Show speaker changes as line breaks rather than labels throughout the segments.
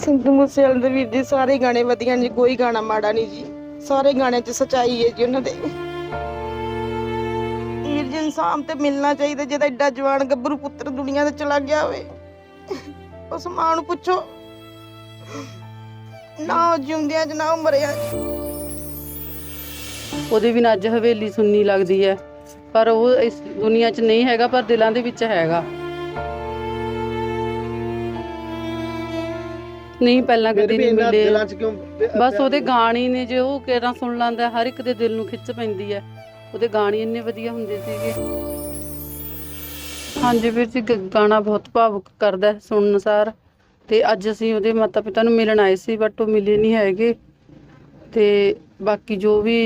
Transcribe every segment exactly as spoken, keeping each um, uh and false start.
सिद्धू मूसेवाले ਦੇ ਵੀਰ ਜੀ ਸਾਰੇ ਗਾਣੇ ਵਧੀਆ ਨੇ, ਕੋਈ ਗਾਣਾ ਮਾੜਾ ਨਹੀਂ ਜੀ। ਸਾਰੇ ਗਾਣਿਆਂ 'ਚ ਸੱਚਾਈ ਹੈ ਜੀ ਉਹਨਾਂ ਦੇ। ਵੀਰ ਜੀ ਇਨਸਾਨ ਤੇ ਮਿਲਣਾ ਚਾਹੀਦਾ, ਜਿਹਦਾ ਐਡਾ ਜਵਾਨ ਗੱਭਰੂ ਪੁੱਤਰ ਦੁਨੀਆ ਤੇ ਚਲਾ ਗਿਆ ਹੋਵੇ। ਉਸ ਮਾਂ ਨੂੰ ਪੁੱਛੋ ਨਾ ਉਹ ਜਿਉਂਦਿਆਂ 'ਚ ਨਾ ਉਹ ਮਰਿਆ।
ਉਹਦੇ ਬਿਨਾਂ ਅੱਜ ਹਵੇਲੀ ਸੁੰਨੀ ਲੱਗਦੀ ਹੈ, ਪਰ ਉਹ ਇਸ ਦੁਨੀਆ 'ਚ ਨਹੀਂ ਹੈਗਾ, ਪਰ ਦਿਲਾਂ ਦੇ ਵਿੱਚ ਹੈਗਾ। ਨਹੀਂ ਪਹਿਲਾਂ ਕਦੇ ਨਹੀਂ ਮਿਲੇ, ਬਸ ਉਹਦੇ ਗਾਣੇ ਨੇ ਜੇ ਉਹ ਕਿਹੜਾ ਸੁਣ ਲੈਂਦਾ, ਹਰ ਇੱਕ ਦੇ ਦਿਲ ਨੂੰ ਖਿੱਚ ਪੈਂਦੀ ਹੈ। ਉਹਦੇ ਗਾਣੇ ਇੰਨੇ ਵਧੀਆ ਹੁੰਦੇ ਸੀਗੇ। ਹਾਂਜੀ ਵੀਰ ਜੀ, ਗਾਣਾ ਬਹੁਤ ਭਾਵੁਕ ਕਰਦਾ ਸੁਣਨ ਸਾਰ। ਤੇ ਅੱਜ ਅਸੀਂ ਉਹਦੇ ਮਾਤਾ ਪਿਤਾ ਨੂੰ ਮਿਲਣ ਆਏ ਸੀ, ਬਟ ਉਹ ਮਿਲੇ ਨਹੀਂ ਹੈਗੇ। ਤੇ ਬਾਕੀ ਜੋ ਵੀ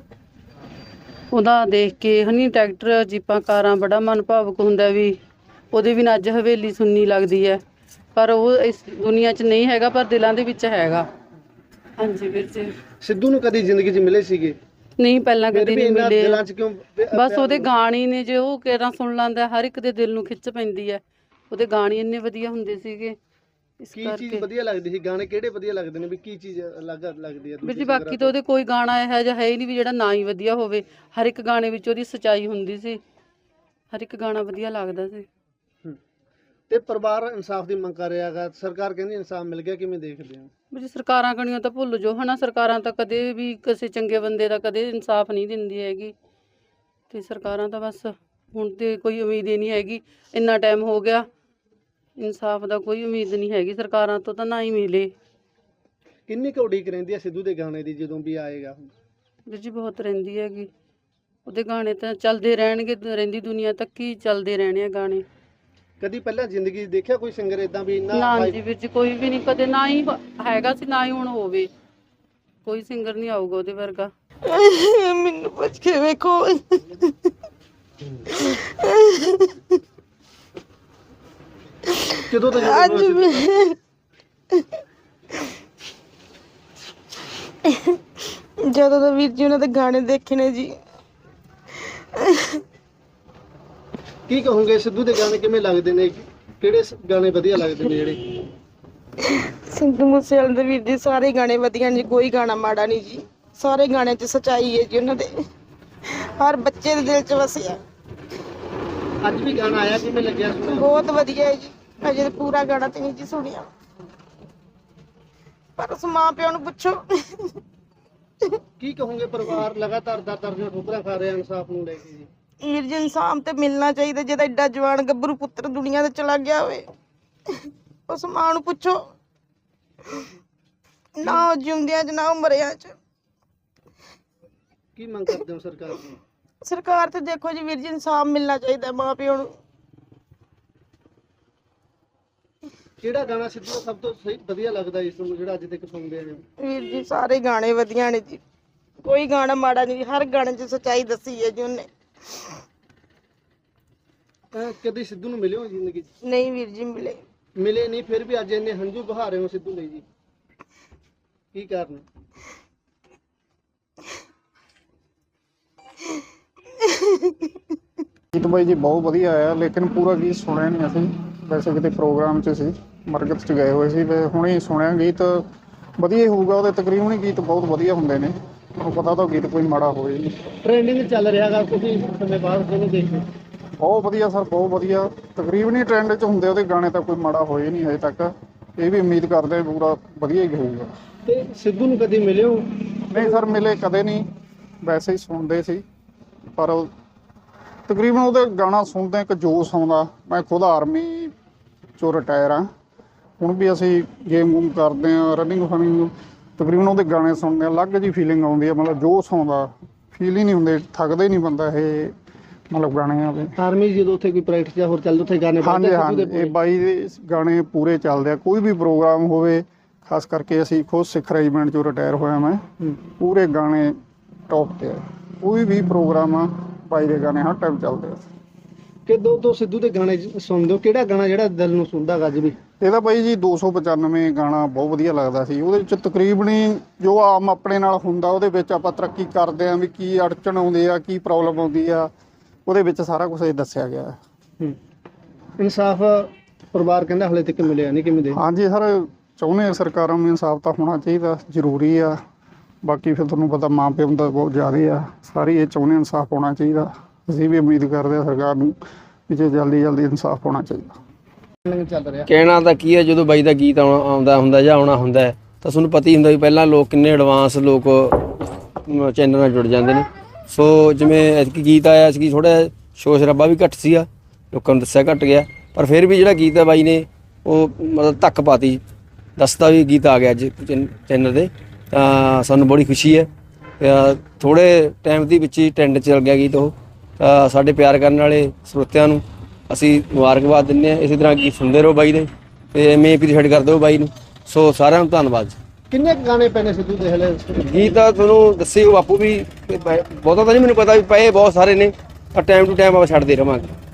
ਉਹਦਾ ਦੇਖ ਕੇ ਹਨੀ ਟਰੈਕਟਰ ਜੀਪਾਂ ਕਾਰਾਂ ਬੜਾ ਮਨ ਭਾਵੁਕ ਹੁੰਦਾ ਵੀ ਉਹਦੇ ਬਿਨਾਂ ਅੱਜ ਹਵੇਲੀ ਸੁੰਨੀ ਲੱਗਦੀ ਹੈ, ਪਰ ਉਹ ਇਸ ਦੁਨੀਆ 'ਚ ਨਹੀਂ ਹੈਗਾ, ਪਰ ਦਿਲਾਂ ਦੇ ਵਿੱਚ ਹੈਗਾ। ਹਾਂਜੀ ਵੀਰ ਜੀ।
ਸਿੱਧੂ ਨੂੰ ਕਦੀ ਜ਼ਿੰਦਗੀ 'ਚ ਮਿਲੇ ਸੀਗੇ?
ਨਹੀਂ ਪਹਿਲਾਂ ਕਦੇ ਨਹੀਂ ਮਿਲੇ,
ਦਿਲਾਂ 'ਚ ਕਿਉਂ?
ਬਸ ਉਹਦੇ ਗਾਣੇ ਨੇ ਜੇ ਉਹ ਕਿਹੜਾ ਸੁਣ ਲੈਂਦਾ, ਹਰ ਇੱਕ ਦੇ ਦਿਲ ਨੂੰ ਖਿੱਚ ਪੈਂਦੀ ਹੈ। ਉਹਦੇ ਗਾਣੇ ਇੰਨੇ ਵਧੀਆ ਹੁੰਦੇ ਸੀਗੇ। ਇਸ
ਕੀ
ਕਰਕੇ
ਚੀਜ਼ ਵਧੀਆ ਲੱਗਦੀ ਸੀ? ਗਾਣੇ ਕਿਹੜੇ ਵਧੀਆ ਲੱਗਦੇ ਨੇ ਵੀ ਕੀ ਚੀਜ਼ ਅਲੱਗ ਲੱਗਦੀ ਹੈ
ਵੀਰ ਜੀ? ਬਾਕੀ ਤਾਂ ਉਹਦੇ ਕੋਈ ਗਾਣਾ ਇਹੋ ਜਿਹਾ ਹੈ ਹੀ ਨਹੀਂ ਵੀ ਜਿਹੜਾ ਨਾ ਹੀ ਵਧੀਆ ਹੋਵੇ। ਹਰ ਇੱਕ ਗਾਣੇ ਵਿੱਚ ਉਹਦੀ ਸੱਚਾਈ ਹੁੰਦੀ ਸੀ, ਹਰ ਇੱਕ ਗਾਣਾ ਵਧੀਆ ਲੱਗਦਾ ਸੀ।
ਤੇ ਪਰਿਵਾਰ ਇਨਸਾਫ ਦੀ ਮੰਗ ਕਰ ਰਿਹਾ ਹੈਗਾ, ਸਰਕਾਰ ਕਹਿੰਦੀ ਇਨਸਾਫ ਮਿਲ ਗਿਆ, ਕਿਵੇਂ ਦੇਖਦੇ ਹੋ?
ਵੀ ਸਰਕਾਰਾਂ ਕਣੀਆਂ ਤਾਂ ਭੁੱਲ ਜੋ ਹਨਾ, ਸਰਕਾਰਾਂ ਤਾਂ ਕਦੇ ਵੀ ਕਿਸੇ ਚੰਗੇ ਬੰਦੇ ਦਾ ਕਦੇ ਇਨਸਾਫ ਨਹੀਂ ਦਿੰਦੀ ਹੈਗੀ। ਤੇ ਸਰਕਾਰਾਂ ਤਾਂ ਬਸ ਹੁਣ ਤੇ ਕੋਈ ਉਮੀਦ ਹੀ ਨਹੀਂ ਹੈਗੀ। ਇੰਨਾ ਟਾਈਮ ਹੋ ਗਿਆ, ਇਨਸਾਫ ਦਾ ਕੋਈ ਉਮੀਦ ਨਹੀਂ ਹੈਗੀ ਸਰਕਾਰਾਂ ਤੋਂ, ਤਾਂ ਨਾ ਹੀ ਮਿਲੇ।
ਕਿੰਨੀ ਕੁ ਉਡੀਕ ਰਹਿੰਦੀ ਹੈ ਸਿੱਧੂ ਦੇ ਗਾਣੇ ਦੀ ਜਦੋਂ ਵੀ ਆਏਗਾ?
ਵੀਰ ਜੀ ਬਹੁਤ ਰਹਿੰਦੀ ਹੈਗੀ, ਉਹਦੇ ਗਾਣੇ ਤਾਂ ਚੱਲਦੇ ਰਹਿਣਗੇ, ਰਹਿੰਦੀ ਦੁਨੀਆ ਤੱਕ ਹੀ ਚੱਲਦੇ ਰਹਿਣੇ ਆ ਗਾਣੇ।
ਕਦੀ ਪਹਿਲਾਂ ਜ਼ਿੰਦਗੀ ਦੇਖਿਆ ਕੋਈ ਸਿੰਗਰ ਇਦਾਂ ਵੀ ਇੰਨਾ?
ਨਾ ਜੀ ਵੀਰ ਜੀ, ਕੋਈ ਵੀ ਨਹੀਂ, ਕਦੇ ਨਾ ਹੀ ਹੈਗਾ ਸੀ ਨਾ ਹੀ ਹੁਣ ਹੋਵੇ। ਕੋਈ ਸਿੰਗਰ ਨਹੀਂ ਆਊਗਾ ਉਹਦੇ ਵਰਗਾ।
ਮੈਨੂੰ ਪੁੱਛ ਕੇ ਵੇਖੋ।
ਕਿਦੋਂ ਤੋਂ
ਅੱਜ ਜਦੋਂ ਦਾ ਵੀਰ ਜੀ ਉਹਨਾਂ ਦੇ ਗਾਣੇ ਦੇਖੇ ਨੇ ਜੀ।
ਕੀ ਕਹੋਗੇ ਸਿੱਧੂ ਦੇ ਗਾਣੇ ਕਿਵੇਂ ਲੱਗਦੇ ਨੇ? ਕਿਹੜੇ ਗਾਣੇ ਵਧੀਆ ਲੱਗਦੇ ਨੇ ਜਿਹੜੇ?
ਸਿੱਧੂ ਮੂਸੇਵਾਲੇ ਦੇ ਵੀਰ ਜੀ ਸਾਰੇ ਗਾਣੇ ਵਧੀਆ ਨੇ, ਕੋਈ ਗਾਣਾ ਮਾੜਾ ਨਹੀਂ ਜੀ। ਸਾਰੇ ਗਾਣਿਆਂ 'ਚ ਸੱਚਾਈ ਹੈ ਜੀ ਉਹਨਾਂ ਦੇ, ਹਰ ਬੱਚੇ ਦੇ ਦਿਲ 'ਚ ਵਸਿਆ।
ਅੱਜ ਵੀ ਗਾਣਾ ਆਇਆ, ਕਿਵੇਂ ਲੱਗਿਆ ਸੁਣਿਆ?
ਬਹੁਤ ਵਧੀਆ ਹੈ ਜੀ। ਅਜੇ ਪੂਰਾ ਗਾਣਾ ਤੇ ਨਹੀਂ ਜੀ ਸੁਣਿਆ, ਪਰ ਉਸ ਮਾਂ ਪਿਓ ਨੂੰ ਪੁੱਛੋ।
ਕੀ ਕਹੋਗੇ? ਪਰਿਵਾਰ ਲਗਾਤਾਰ ਦਰ ਦਰ ਦੀਆਂ ਠੋਕਰਾਂ ਖਾ ਰਿਹਾ ਇਨਸਾਫ ਨੂੰ ਲੈ ਕੇ ਜੀ।
ਵੀਰ ਜੀ ਇਨਸਾਨ ਤੇ ਮਿਲਣਾ ਚਾਹੀਦਾ, ਜਿਹਦਾ ਐਡਾ ਜਵਾਨ ਗੱਭਰੂ ਪੁੱਤਰ ਦੁਨੀਆ ਤੇ ਚਲਾ ਗਿਆ ਹੋਵੇ। ਉਸ ਮਾਂ ਨੂੰ ਪੁੱਛੋ ਨਾ ਉਹ ਜਿਉਂਦਿਆਂ 'ਚ ਨਾ ਉਹ ਮਰਿਆ 'ਚ।
ਕੀ ਮੰਗ ਕਰਦੇ ਹੋ ਸਰਕਾਰ ਤੋਂ?
ਸਰਕਾਰ ਤੇ ਦੇਖੋ ਜੀ ਵੀਰ ਜੀ, ਇਨਸਾਫ ਮਿਲਣਾ ਚਾਹੀਦਾ ਮਾਂ ਪਿਓ ਨੂੰ।
ਕਿਹੜਾ ਗਾਣਾ ਸਿੱਧੂ ਦਾ ਸਭ ਤੋਂ ਸਹੀ ਵਧੀਆ ਲੱਗਦਾ ਇਸ ਨੂੰ, ਜਿਹੜਾ ਅੱਜ ਤੱਕ ਸੁਣਦੇ ਆਏ ਹੋ?
ਵੀਰ ਜੀ ਸਾਰੇ ਗਾਣੇ ਵਧੀਆ ਨੇ ਜੀ, ਕੋਈ ਗਾਣਾ ਮਾੜਾ ਨਹੀਂ। ਹਰ ਗਾਣੇ 'ਚ ਸੱਚਾਈ ਦੱਸੀ ਹੈ ਜੀ ਉਹਨੇ।
ਕਦੇ ਸਿੱਧੂ ਨੂੰ ਮਿਲੇ ਹੋ ਜ਼ਿੰਦਗੀ 'ਚ?
ਨਹੀਂ ਵੀਰ ਜੀ ਮਿਲੇ।
ਮਿਲੇ ਨਹੀਂ, ਫਿਰ ਵੀ ਅੱਜ ਇੰਨੇ ਹੰਝੂ ਬਹਾ ਰਹੇ ਹੋ ਸਿੱਧੂ ਲਈ ਜੀ, ਕੀ ਕਾਰਨ?
ਗੀਤ ਬਾਈ ਜੀ ਬਹੁਤ ਵਧੀਆ ਆਇਆ, ਲੇਕਿਨ ਪੂਰਾ ਗੀਤ ਸੁਣਿਆ ਨਹੀਂ ਅਸੀਂ। ਵੈਸੇ ਕਿਤੇ ਪ੍ਰੋਗਰਾਮ 'ਚ ਸੀ, ਮਰਕਤ 'ਚ ਗਏ ਹੋਏ ਸੀ, ਤੇ ਹੁਣੇ ਸੁਣਿਆ। ਗੀਤ ਵਧੀਆ ਹੀ ਹੋਊਗਾ, ਉਹਦੇ ਤਕਰੀਬਨ ਹੀ ਗੀਤ ਬਹੁਤ ਵਧੀਆ ਹੁੰਦੇ ਨੇ। ਤੁਹਾਨੂੰ ਪਤਾ ਤਾਂ ਗੀਤ ਕੋਈ ਮਾੜਾ ਹੋਵੇ ਨਹੀਂ।
ਟ੍ਰੈਂਡਿੰਗ ਚੱਲ ਰਿਹਾ ਹੈਗਾ, ਤੁਸੀਂ ਸਮੇਂ ਬਾਅਦ ਕਿਹਨੂੰ ਦੇਖਦੇ?
ਬਹੁਤ ਵਧੀਆ ਸਰ, ਬਹੁਤ ਵਧੀਆ। ਤਕਰੀਬਨ ਹੀ ਟ੍ਰੈਂਡ 'ਚ ਹੁੰਦੇ ਉਹਦੇ ਗਾਣੇ, ਤਾਂ ਕੋਈ ਮਾੜਾ ਹੋਏ ਨਹੀਂ ਹਜੇ ਤੱਕ। ਇਹ ਵੀ ਉਮੀਦ ਕਰਦੇ ਪੂਰਾ ਵਧੀਆ ਹੀ ਹੋਊਗਾ।
ਤੇ ਸਿੱਧੂ ਨੂੰ ਕਦੀ ਮਿਲੇ ਹੋ?
ਨਹੀਂ ਸਰ, ਮਿਲੇ ਕਦੇ ਨਹੀਂ, ਵੈਸੇ ਹੀ ਸੁਣਦੇ ਸੀ। ਪਰ ਉਹ ਤਕਰੀਬਨ ਉਹਦੇ ਗਾਣਾ ਸੁਣਦੇ ਇੱਕ ਜੋਸ਼ ਆਉਂਦਾ। ਮੈਂ ਖੁਦ ਆਰਮੀ 'ਚੋਂ ਰਿਟਾਇਰ ਹਾਂ, ਹੁਣ ਵੀ ਅਸੀਂ ਗੇਮ ਗੂਮ ਕਰਦੇ ਹਾਂ, ਰਨਿੰਗ ਫਨਿੰਗ। ਤਕਰੀਬਨ ਉਹਦੇ ਗਾਣੇ ਸੁਣਦੇ ਅਲੱਗ ਜਿਹੀ ਫੀਲਿੰਗ ਆਉਂਦੀ ਹੈ, ਮਤਲਬ ਜੋਸ਼ ਆਉਂਦਾ, ਫੀਲ ਹੀ ਨਹੀਂ ਹੁੰਦੇ, ਥੱਕਦੇ ਨਹੀਂ ਬੰਦਾ। ਇਹ ਮਤਲਬ ਗਾਣੇ ਆਵੇ
ਆਰਮੀ ਜਦੋਂ ਉੱਥੇ ਕੋਈ ਪ੍ਰੈਕਟਿਸ ਜਾਂ ਹੋਰ ਚੱਲਦਾ, ਉੱਥੇ ਗਾਣੇ?
ਹਾਂਜੀ ਹਾਂਜੀ, ਇਹ ਬਾਈ ਦੇ ਗਾਣੇ ਪੂਰੇ ਚੱਲਦੇ ਆ। ਕੋਈ ਵੀ ਪ੍ਰੋਗਰਾਮ ਹੋਵੇ, ਖਾਸ ਕਰਕੇ ਅਸੀਂ ਖੁਦ ਸਿੱਖ ਰੈਜੀਮੈਂਟ 'ਚੋਂ ਰਿਟਾਇਰ ਹੋਇਆ ਮੈਂ, ਪੂਰੇ ਗਾਣੇ ਟੌਪ 'ਤੇ ਆ। ਕੋਈ ਵੀ ਪ੍ਰੋਗਰਾਮ ਆ, ਬਾਈ ਦੇ ਗਾਣੇ ਹਰ ਟਾਈਮ ਚੱਲਦੇ ਆ।
ਕਿਦੋਂ ਤੋਂ ਸਿੱਧੂ ਦੇ ਗਾਣੇ ਸੁਣਦੇ ਹੋ? ਕਿਹੜਾ ਗਾਣਾ ਜਿਹੜਾ ਦਿਲ ਨੂੰ ਸੁਣਦਾ ਅੱਜ ਵੀ?
ਇਹਦਾ ਬਾਈ ਜੀ ਦੋ ਸੌ ਪਚਾਨਵੇਂ ਗਾਣਾ ਬਹੁਤ ਵਧੀਆ ਲੱਗਦਾ ਸੀ। ਉਹਦੇ ਵਿੱਚ ਤਕਰੀਬਨ ਜੋ ਆਮ ਆਪਣੇ ਨਾਲ ਹੁੰਦਾ, ਉਹਦੇ ਵਿੱਚ ਆਪਾਂ ਤਰੱਕੀ ਕਰਦੇ ਹਾਂ ਵੀ ਕੀ ਅੜਚਣ ਆਉਂਦੇ ਆ, ਕੀ ਪ੍ਰੋਬਲਮ ਆਉਂਦੀ ਆ, ਉਹਦੇ ਵਿੱਚ ਸਾਰਾ ਕੁਝ ਇਹ ਦੱਸਿਆ ਗਿਆ।
ਇਨਸਾਫ ਪਰਿਵਾਰ ਕਹਿੰਦਾ ਹਲੇ ਤੱਕ ਮਿਲਿਆ ਨਹੀਂ, ਕਿਵੇਂ ਦੇ?
ਹਾਂਜੀ ਸਰ, ਚਾਹੁੰਦੇ ਹਾਂ ਸਰਕਾਰਾਂ ਨੂੰ ਇਨਸਾਫ ਤਾਂ ਹੋਣਾ ਚਾਹੀਦਾ, ਜ਼ਰੂਰੀ ਆ। ਬਾਕੀ ਫਿਰ ਤੁਹਾਨੂੰ ਪਤਾ ਮਾਂ ਪਿਓ ਦਾ ਬਹੁਤ ਜ਼ਿਆਦਾ ਆ, ਸਾਰੇ ਇਹ ਚਾਹੁੰਦੇ ਇਨਸਾਫ ਹੋਣਾ ਚਾਹੀਦਾ। ਅਸੀਂ ਵੀ ਉਮੀਦ ਕਰਦੇ ਹਾਂ ਸਰਕਾਰ ਨੂੰ ਵੀ ਜੇ ਜਲਦੀ ਜਲਦੀ ਇਨਸਾਫ ਹੋਣਾ ਚਾਹੀਦਾ।
ਚੱਲ ਰਿਹਾ
ਕਹਿਣਾ ਤਾਂ ਕੀ ਹੈ, ਜਦੋਂ ਬਾਈ ਦਾ ਗੀਤ ਆਉਣਾ ਆਉਂਦਾ ਹੁੰਦਾ ਜਾਂ ਆਉਣਾ ਹੁੰਦਾ ਹੈ ਤਾਂ ਤੁਹਾਨੂੰ ਪਤਾ ਹੀ ਹੁੰਦਾ ਵੀ ਪਹਿਲਾਂ ਲੋਕ ਕਿੰਨੇ ਐਡਵਾਂਸ ਲੋਕ ਚੈਨਲ ਨਾਲ ਜੁੜ ਜਾਂਦੇ ਨੇ। ਸੋ ਜਿਵੇਂ ਐਤਕੀ ਗੀਤ ਆਇਆ ਸੀ, ਥੋੜ੍ਹਾ ਸ਼ੋਰ ਸ਼ਰਾਬਾ ਵੀ ਘੱਟ ਸੀਗਾ, ਲੋਕਾਂ ਨੂੰ ਦੱਸਿਆ ਘੱਟ ਗਿਆ, ਪਰ ਫਿਰ ਵੀ ਜਿਹੜਾ ਗੀਤ ਹੈ ਬਾਈ ਨੇ ਉਹ ਮਤਲਬ ਧੱਕ ਪਾਤੀ, ਦੱਸਦਾ ਵੀ ਗੀਤ ਆ ਗਿਆ ਅੱਜ ਚੈਨਲ 'ਤੇ, ਤਾਂ ਸਾਨੂੰ ਬੜੀ ਖੁਸ਼ੀ ਹੈ। ਥੋੜ੍ਹੇ ਟਾਈਮ ਦੇ ਵਿੱਚ ਹੀ ਟ੍ਰੈਂਡ ਚੱਲ ਗਿਆ ਗੀਤ ਉਹ। ਤਾਂ ਸਾਡੇ ਪਿਆਰ ਕਰਨ ਵਾਲੇ ਸਰੋਤਿਆਂ ਨੂੰ ਅਸੀਂ ਮੁਬਾਰਕਬਾਦ ਦਿੰਦੇ ਹਾਂ। ਇਸੇ ਤਰ੍ਹਾਂ ਗੀਤ ਸੁਣਦੇ ਰਹੋ ਬਾਈ ਦੇ, ਅਤੇ ਐਵੇਂ ਅਪਰੀਸ਼ੀਏਟ ਕਰਦੇ ਹੋ ਬਾਈ ਨੂੰ। ਸੋ ਸਾਰਿਆਂ ਨੂੰ ਧੰਨਵਾਦ।
ਕਿੰਨੇ ਕੁ ਗਾਣੇ ਪਏ ਨੇ ਸਿੱਧੂ ਦੇ ਹਲੇ?
ਗੀਤ ਤਾਂ ਤੁਹਾਨੂੰ ਦੱਸੇ ਬਾਪੂ ਵੀ, ਬਹੁਤਾ ਤਾਂ ਨਹੀਂ ਮੈਨੂੰ ਪਤਾ ਵੀ ਪਏ ਬਹੁਤ ਸਾਰੇ ਨੇ, ਪਰ ਟਾਈਮ ਟੂ ਟਾਈਮ ਆਪਾਂ ਛੱਡਦੇ ਰਹਾਂਗੇ।